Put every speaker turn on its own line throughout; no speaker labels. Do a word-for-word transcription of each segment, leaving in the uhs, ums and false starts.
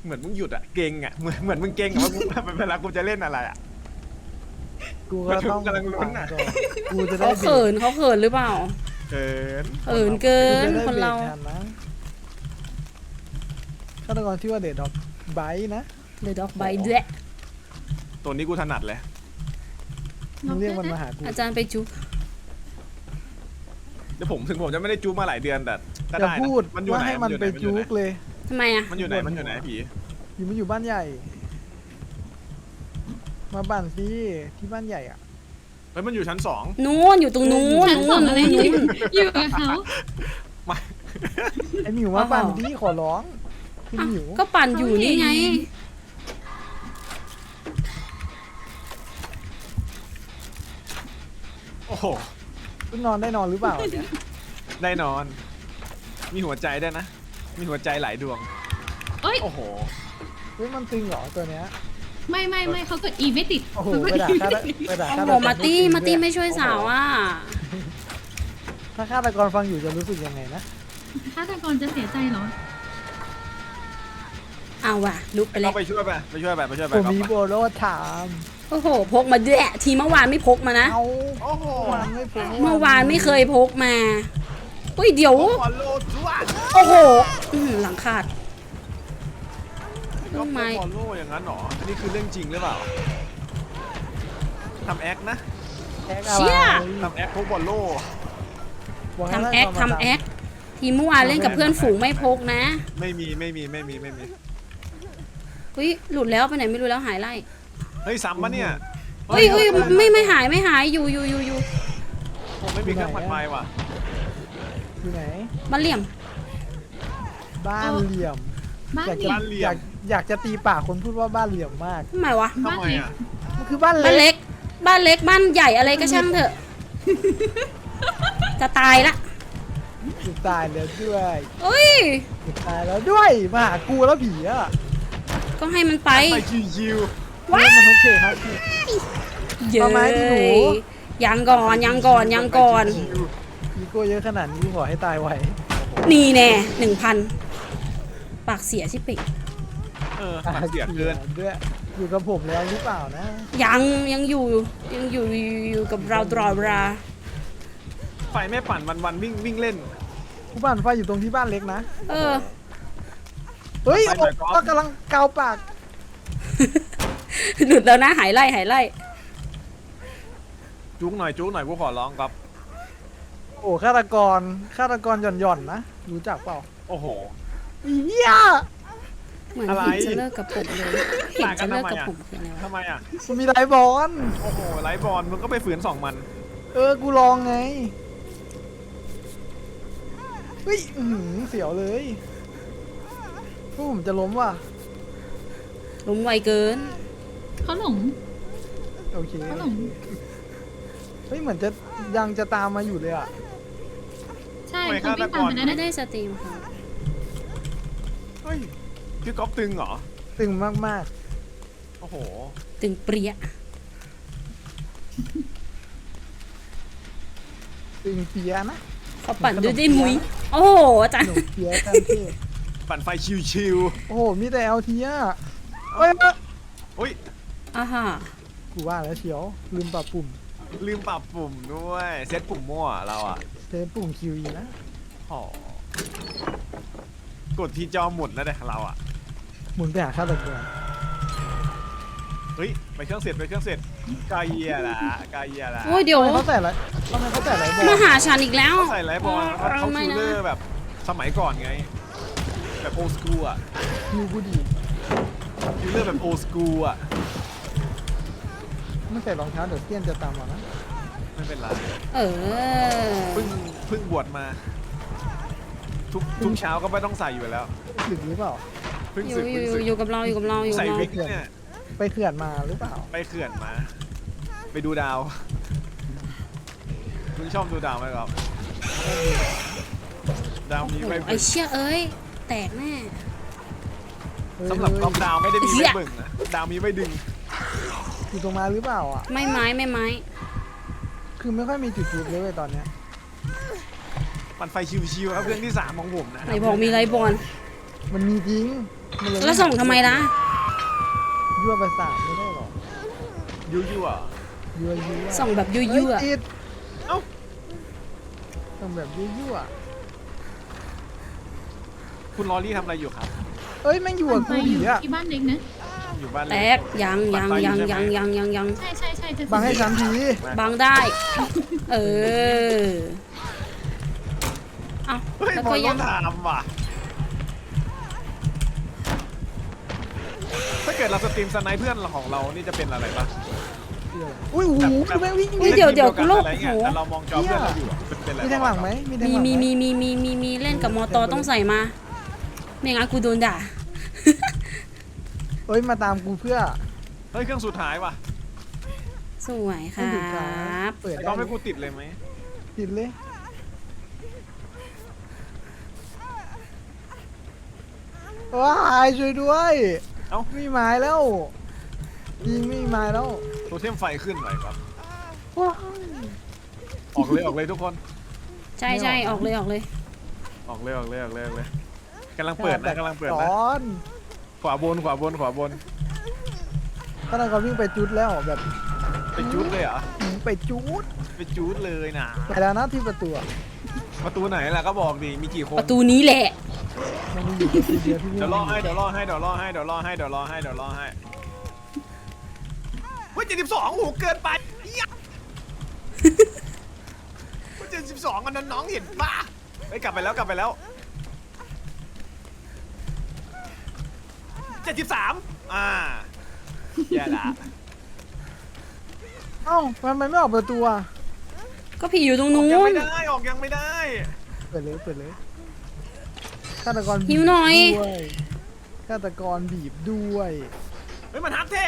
เหมือนมึงหยุดอะเก่งอะเหมือนเหมือนมึงเก่งอะว่ากูเวลากูจะเล่นอะไรอะ
กูก็ต้อง
กำลังลุ้นอะ
กูจะได้
เขาเขินเขาเขินหรือเปล่า
เกิน
เขินเกิ
กู
น
จะได้
คน
เบร
เรา
กทันนะฆาตกรชื่อว่าเดดด็อกไบนะ
เลยดอกใบด้วย
ตัวนี้กูถนัดเลย
มึงเรียกมันมาหากู
อาจารย์ไปจุ๊บ
เดี๋ยวผมถึงผมจะไม่ได้จูบมาหลายเดือนแต่ก็
อย่า
ได้
พูด
นะมันอยู่
ว่า
ไหน
ให้มันไปจุกเลย
ทำไมอ่ะ
มันอยู่ไหนมันอยู่ไหนผี
อยู่มันอยู่บ้านใหญ่ มาบ้านสิที่บ้านใหญ่อ่ะ
เฮ้ยมันอยู่ชั้นสอง
นู้นอยู่ตรงนู้น
ชั้นสอง
นู้น
อะไร
นู้
อยู่
น
อยู่กับเขา
มา
ไอหมิวมาบ้านที่ขอร้องคุณหมิว
ก็ปั่นอยู่นี่ไง
โอ้โห
คุณนอนได้นอนหรือเปล่าเนี่ย
ได้นอน มีหัวใจด้วยนะ มีหัวใจหลายดวง
เอ้ย
โอ้โห
เฮ้ยมันตึงเหรอตัวเนี้ย
ไม่ไม่ไม่เขากด E ไม่ติด
โอ้โห
เขาก
ไป
ด
ด่า
E
ฆาต
ไม่ติด
ไปด่า
โอ้
ฆา
โห
ตกร
มาตี้
จริงๆ
มาตี้
ด้วย
ไม่ช่วยสาวอ่ะ
ถ้าฆาตกรฟังอยู่จะรู้สึกยังไงนะ
ฆาตกรจะเสียใจเหรอ
เอาว่ะลุกไปแล้
เรา
ว
ไปช่วยไปไปช่วยไปไปช่วยไป
ผม
ก๊อฟ
มี
ไป
โบโลถาม
โอ้โหพกมาด้วยทีเมื่อวานไม่พกมานะ
เอา
โอ้โห
วานไม่พอ
เมื่อวานไม่เคยพกมาอุ้ยเดี๋ยว
บอลโลจ้วด
โอ้โหอื้อหือหลังขาด
ก็
ทำไม
บอลโลอย่างนั้นหรออันนี้คือเรื่องจริงหรือเปล่าทำแอคนะ
แอกอะไร
เชี่ย
ทำแอคพวกบอลโล
บอกให้
ทำแอค
ฆาตกรมา
ทำแอคทีเมื่อวานเล่นกับเพื่อนฝูงไม่พกนะ
ไม่มีไม่มีไม่มีไม่มี
อุ้ยหลุดแล้วไปไหนไม่รู้แล้วหายไล่
เฮ้ยซ้ำปะเนี่ย
เฮ้ยเฮ้ยไม่ไม่หายไม่หายอยู่อยู่อยู่อยู่
ผมไม่มีเครื่องผัดไม้ว่ะ
อยู่ไหน
มันเหลี่ยม
บ้านเหลี่ยม
บ้าน
อยาก
เดี
จะ
ยว
บ้านเหลี่ย
อยาม กอยากจะตีปากคนพูดว่าบ้านเหลี่ยมมาก
ทำไมวะ
บ้าน
ทำไม
เล็ก
อ่ะ
มันคือบ้าน
บ้าน
เล็ก
เล็ก บ้านเล็ก บ้านใหญ่อะไรก็ช่างเถอะ จะตายละ
ถูกตายแล้วด้วย
เอ้ย
ถูกตายแล้วด้วยมาหากูแล้วผีอ่ะ
ก็ให้มันไป
ไปชิว
ว้า
เล่นมันโอเคครับ
เย
เอาไม้ดิหนู
ยังก่อนยังก่อน
ๆ
ยังก่อน
ชิว
อีโก้เยอะขนาดนี้กูขอให้ตายไว
นี่แน่หนึ่งพันปากเสียชิปิก
ๆเออปากเสียเกิน
ด้วยอยู่กับผมแล้วหรือเปล่านะ
ยังยังอยู่ยังอยู่อยู่กับเราตลอดเวลา
ไฟไม่ปั่นวันวันๆวิ่งวิ่งเล่น
กูบ้านไฟอยู่ตรงที่บ้านเล็กนะ
เออ
เฮ้ย
ไป
โอ้
หน่อยก๊อฟ
ก็กำลังเกาปาก
หลุดแล้วนะหายไล่หายไล่
จุกหน่อยจุกหน่อยกูขอร้องครับ
โอ้ฆาตกรฆาตกรหย่อนหย่อนๆนะรู้จักเปล่า
โอ้โห
อีเหี้ย
เหมือน
อะไร
เห็นจะเลิกกับผมเลยเห็นจะเลิกกับผมคืออะไรวะ
ทำไมอ่ะ
มันมีไลฟ์บอล
โอ้โหไลฟ์บอลมึงก็ไปฝืนสองมัน
เออกูลองไงเฮ้ยอื้อหือเสียวเลยพวกผมจะล้มว่ะ
ล้มไวเกิน
เขาหลง
โอเค
เขาหลง
เฮ้ยเหมือนจะยังจะตามมาอยู่เลยอ่ะ
ใช่เขาวิ่งตามไปแล้ว
ไม่
นะ
ได้สตรีมค่ะ
เฮ้ยพี่ก๊อฟตึงเหรอ
ตึงมาก
โอ้โห
ตึงเปรี้ย
ๆตึงเปียนะ
เขาปั่นด้วยได้มุ้ยโอ้โหอาจาร
ห
ย์
นูเปียกันเท่
ปั่นไฟชิว
โอ้โหมีแต่เอลทีอ่ะเอ้ยเอ้ย
ๆอุ้ย
อ่าฮะ
กูว่าแล้วเชียวลืมปรับปุ่ม
ลืมปรับปุ่มด้วยเซตปุ่มมั่วเราอ่ะ
เซฟปุ่มคิวอีนะ
อ๋อกดที่จอหมุนแล้วเด็เราอ่ะ
หมุนไปหาฆาตกร
เฮ้ยไปเครื่องเสร็จไปเครื่องเสร็จกายเยียละกายเยียละ
โอ้ยเดี๋ยว
ทำไมเขาแต่ละทำไมเขาแต่ละบอล
มาหาฉันอีกแล้ว
ใส่ไลฟ์บอลเขาเขา
ไม่
คิว
นะ
เลอร์แบบสมัยก่อนไง แบบโอสกูอ่ะ
คิวกูดี
คิวเลอร์แบบโอสกูอ่ะ
ไม่ใส่รองเท้าเดี๋ยวเตี้ยนจะตามมานะ
ไม่เป็นไร
เออ
เพิ่งเพิ่งบวชมา ทุกทุกเช้าก็ไม่ต้องใส่อยู่แล้ว
หรือหรือเปล่า
เพิ่ง
อยู่
สึก
อ
เพิ่ง
ยู่
สึก
อยู่กับเราอยู่กับเราอยู่กั
ใส่
บเรา
วิกเนี่ย
ไปเขื่อนมาหรือเปล่า
ไปเขื่อนมา ไปดูดาวคุณชอบดูดาวไหมครับ ดาวมีไว้
ไอ้
เบิ่ง
เชี่ยเอ้ยแตกแน่
สำหรับกอล์ฟดาวไม่ได้มี
เหี้
ไว้
ย
เบิ่งนะดาวมีไว้ดึง
อยู่ตรงมาหรือเปล่าอ่ะ
ไม่ไม้ไม่ไม้
คือไม่ค่อยมีจุดจุดเลยเว้ยตอนเนี้ย
ปั่นไฟชิวๆครับเรื่องที่สามของผมนะ
ไหนบอกมีไรบอล
มันมีจริงมันเย
แล้วส่งทำไมล่ะ
ยั่วประสาทไม่ได้หรอ
ยูยูอ่ะ
ยั่วยั่ว
ส่งแบบยั่ว
เฮ้ย
ๆอะ
ติด
เอ้า
ส่งแบบยั่วยั่ว
คุณลอรี่ทำอะไรอยู่ครับ
เอ้ยแม่งอยู่กับ
ไป
กู
อ
ผี
ยู่
อะ
ที่บ้านเล็กนะ
อยู่บ้าน
แต
เล็
กยังยังยังยังยังยังยัง
ใช่ใช่ใช่จะ
บังให้ฉันที
บังได้ เออเอา
เฮ้ย
แล้ว
บอ
ก็
ล
ยั
ต้อง งถามว่ะถ้าเกิดเราสตรีมสไนป์เพื่อนของเรานี่จะเป็นอะไรปะ
อุ้ยโอ้โหคือแม่งวิ่ง
เฮ้ยเดี๋ยวเดี๋ยวกูโลก
อะไร
โอ้โห
เงี้ยแต่เรามองจอเพื่อนเราอยู่อะเป็นเป็นอะไร
มีทางหลังไหมมีทาง
มี
หลังไห
มีมีมีมีมีมีเล่นกับมอตอต้องใส่มา ไม่งั้นกูโดนด่า
เอ้ยมาตามกูเพื่อ
เฮ้ยเครื่องสุดท้ายว่ะ
สวยค
ให้
รั
ดูครับ
บ
เปิด
ไอ้
ได้
ก้องให้กูติดเลยไหม
ติดเลยว้ายช่วยด้วย
เอ้า
ไม่มีไม้แล้วยิงไม่มีไม้แล้ว
โทเทมไฟขึ้นหน่อยครับ
ว้าย
ออกเลยออกเลยทุกคน
ใช่ใช่ออกเลยออกเลย
ออกเลยออกเลยออกเลยออกเลยกำลังเปิดนะกำลังเปิด
ส
นะ
อน
ขวาบนขวาบนขวาบน
ตอนนั้นเขาวิ่งไปจุดแล้วแบบ
ไปจูดเลยเหรอ
หืมไปจุด
ไปจูดเลยนะ
ไปแล้วนะที่ประตูอะ
ประตูไหนล่ะก็บอกดิมีกี่คน
ประตูนี้แหละ
มันมีอยู่ประตูเดียวที่นี่
เดี๋ยวรอให้เดี๋ยวรอให้เดี๋ยวรอให้เดี๋ยวรอให้เดี๋ยวรอให้เดี๋ยวรอให้เฮ้ยเจ็ดสิบสองโอ้โหเกินไปเหี้ยเฮ้ยเจ็ดสิบสองอันนั้นน้องเห็นป่ะเฮ้ยกลับไปแล้วกลับไปแล้วเจ็ดสิบสามอ่าแย่ละ
เอ้าทำไมไม่ออกประตูอะ
ก็ผีอยู่ตรง
ออก
นู้
ยัง
น
ไม่ได้ออกยังไม่ได้
เปิดเลยเปิดเลยฆาตกรบีบ
หิวหน่อย
ด้วยฆาตกรบีบด้วย
เฮ้ยมันฮักเทค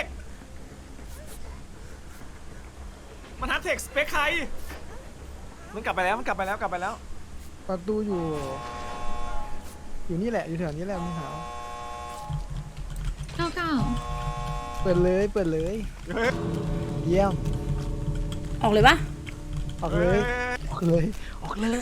มันฮักเทคสเปคใครมันกลับไปแล้วมันกลับไปแล้วกลับไปแล้ว
ประตูอยู่ อยู่นี่แหละอยู่แถวนี้แหละมึงหา
เก้าเก้า
เปิดเลยเปิดเลย
เฮ้ย
เยี่ยม
ออกเลยปะ
ออกเลยออกเลยออกเลย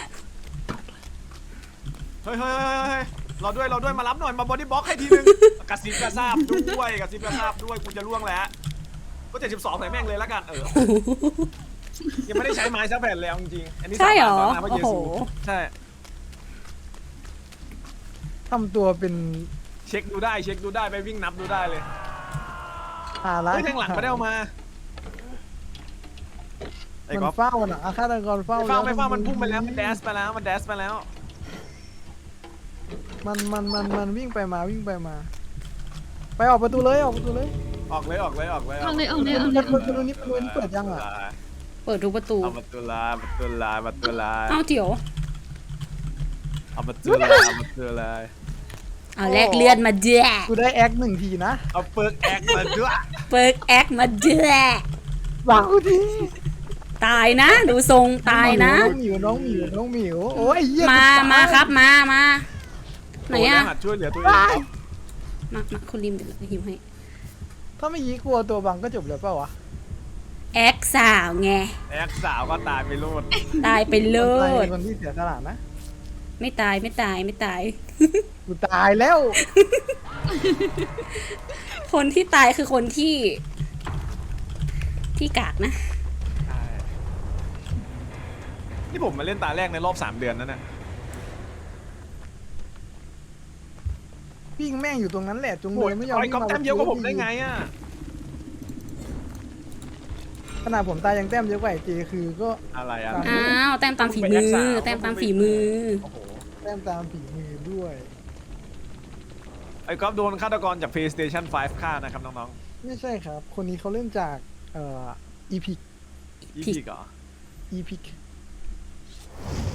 เฮ้ยเฮ้ยเฮ้ยเฮ้ยเราด้วยเราด้วยมารับหน่อยมาบอดี้บล็อกให้ทีนึงกระซิบกระซาบด้วยกระซิบกระซาบด้วยกูจะล่วงแล้วก็เจ็ดสิบสองใส่แม่งเลยแล้วกันเออยังไม่ได้ใช้ไม้ซักแผ่นเลยเอาจริงๆอันนี้
ใช่เหรอ
สาบานต่อหน้าพระ
โอ้
เย
โห
ซูใช่
ทำตัวเป็น
เช็คดูได้เช็คดูได้ไปวิ่งนับดูได้เลย
ภาระ
เฮ้ยแทงหลังไม่ได้เอามาไอ้
มัน
ก๊อฟ
เฝ้าน่ะอาฆาตกรเฝ้า
ไม่เฝ้า
แล้ว
ไม่เฝ้ามันพุ่งไปแล้วมันแดสไปแล้วมันแดสไปแล้ว
มันมันมันมันวิ่งไปมาวิ่งไปมา ไปออกประตูเลยออกประตูเลย
ออกเลยออกเลยออกเลย
เอาเลยเอาเลยเอา
ป
เล
ระ
ย
ตูประตูนี้ประตูนี้เปิดยังอ่ะ
เปิดทุกประตู
เอาประตูลาประตูลาประตูลา
เอ้าเดี๋ยว
เอาประตูลาเอาประตูลา
เอาแลกเลือดมาเด้อ
กูได้แอคหนึ่งทีนะ
เอาเปิร์กแอคมาด้วย
เปิกแอคมาเด้อ
วางกูที
ตายนะ ดูทรงตายนะ
น้องหมิวน้องหมิวน้องหมิวโอ้ยเยี่ย
มา
กูตย
มาครับมามาไหนอะ
หัดช่วยเหลือตัวเอง
ว้าย
มามาคุณริมเดี๋ยวเราหิวให้
ถ้าไม่ยี้กลัวตัวบังก็จบเลยเปล่าวะ
แอคสาวไง
แอคสาวก็ตายไปโลด
ตายไปโล
คนไทย
ด
เป็นคนที่เสียสละนะ
ไม่ตายไม่ตายไม่ตาย
กูตายแล้ว
คนที่ตายคือคนที่ ที่กากนะ
นี่ผมมาเล่นตาแรกในรอบสามเดือนนั่นน่ะ
วิ่งแม่งอยู่ตรงนั้นแหละจง
โอ้
เลย ยไม่ยอม
ไอ้
วิ่ง
ก๊อฟ
มา
แต้มเยอะกว่าผมได้ไงอ่ะ
ขนาดผมตายยังแต้มเยอะกว่าไอ้เจคือก็
อะไรอ่ะ
อ้าวแต้มตามฝีมือ แต้มตามฝีมือ
โอ้โห
แต้มตามฝีมือด้วย
ไอ้ก๊อฟโดนฆาตกรจาก PlayStation ไฟว์ฆ่านะครับน้อง
ไม่ใช่ครับ คนนี้เขาเล่นจากเอ่อ อีพิก
ๆยี่สิบเหรอ
อีพิก